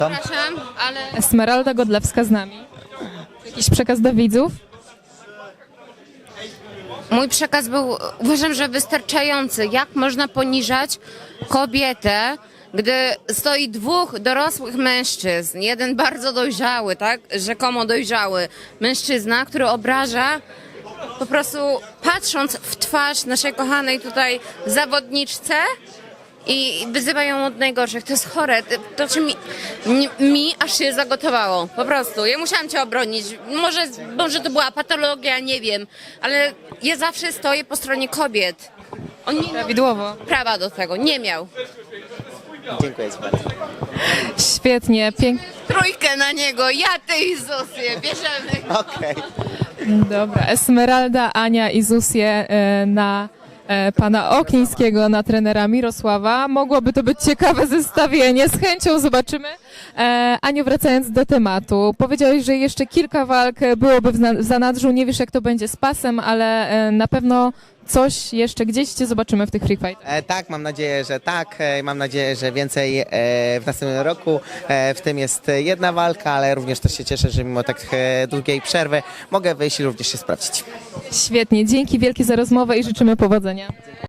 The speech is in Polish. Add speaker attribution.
Speaker 1: Przepraszam, ale
Speaker 2: Esmeralda Godlewska z nami. Jakiś przekaz do widzów?
Speaker 1: mój przekaz był, uważam, że wystarczający. Jak można poniżać kobietę, gdy stoi dwóch dorosłych mężczyzn, jeden bardzo dojrzały, tak, rzekomo dojrzały mężczyzna, który obraża, po prostu patrząc w twarz naszej kochanej tutaj zawodniczce i wyzywa ją od najgorszych. To jest chore. To czy mi aż się zagotowało. Po prostu. Ja musiałam cię obronić. Może to była patologia, nie wiem, ale ja zawsze stoję po stronie kobiet. On nie miał
Speaker 2: Prawidłowo.
Speaker 1: prawa do tego. Nie miał.
Speaker 3: Dziękuję ci bardzo.
Speaker 2: Świetnie, pięknie.
Speaker 1: Trójkę na niego. Ja, ty i Zosję. Bierzemy.
Speaker 3: Okej.
Speaker 2: Dobra, Esmeralda, Ania i Zusję na pana Oknińskiego, na trenera Mirosława. Mogłoby to być ciekawe zestawienie, z chęcią zobaczymy. Aniu, wracając do tematu, powiedziałeś, że jeszcze kilka walk byłoby w zanadrzu, nie wiesz jak to będzie z pasem, ale na pewno coś jeszcze gdzieś cię zobaczymy w tych free fightach.
Speaker 3: Tak, mam nadzieję, że tak. Mam nadzieję, że więcej w następnym roku. W tym jest jedna walka, ale również też się cieszę, że mimo tak długiej przerwy mogę wyjść i również się sprawdzić.
Speaker 2: Świetnie, dzięki wielkie za rozmowę i życzymy powodzenia.